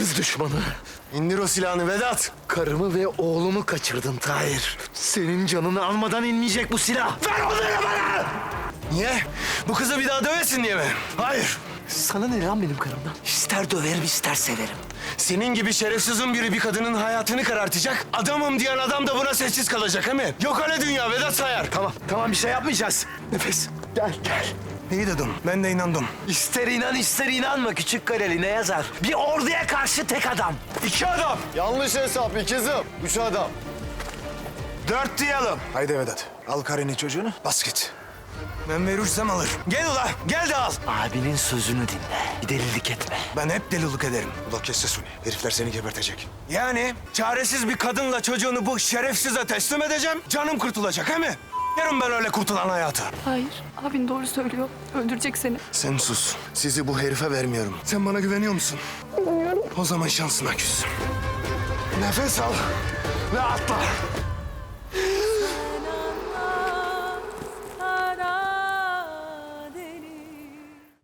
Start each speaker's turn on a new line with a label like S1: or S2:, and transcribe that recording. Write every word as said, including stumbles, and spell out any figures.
S1: ırz düşmanı.
S2: İndir o silahını Vedat.
S1: Karımı ve oğlumu kaçırdın Tahir. Senin canını almadan inmeyecek bu silah. Ver onları bana!
S2: Niye? Bu kızı bir daha dövesin diye mi? Hayır.
S1: Sana ne lan benim karımdan? İster döverim ister severim.
S2: Senin gibi şerefsizin biri bir kadının hayatını karartacak. Adamım diyen adam da buna sessiz kalacak değil mi? Yok öyle dünya Vedat Sayar.
S1: Tamam, tamam bir şey yapmayacağız. Nefes, gel gel.
S2: İyi dedim. Ben de inandım.
S1: İster inan ister inanma küçük kareli ne yazar? Bir orduya karşı tek adam.
S2: İki adam.
S3: Yanlış hesap ikizim. Üç adam.
S2: Dört diyelim.
S3: Haydi Vedat. Al karını çocuğunu. Bas git.
S2: Ben verirsem alır. Gel ula. Gel de al.
S1: Abinin sözünü dinle. Bir delilik etme.
S2: Ben hep delilik ederim.
S3: Ula kes sesini. Herifler seni gebertecek.
S2: Yani çaresiz bir kadınla çocuğunu bu şerefsize teslim edeceğim. Canım kurtulacak he mi? Yarın ben öyle kurtulan hayatı.
S4: Hayır, abin doğru söylüyor. Öldürecek seni.
S2: Sen sus. Sizi bu herife vermiyorum. Sen bana güveniyor musun? O zaman şansına küs. Nefes al ve atla.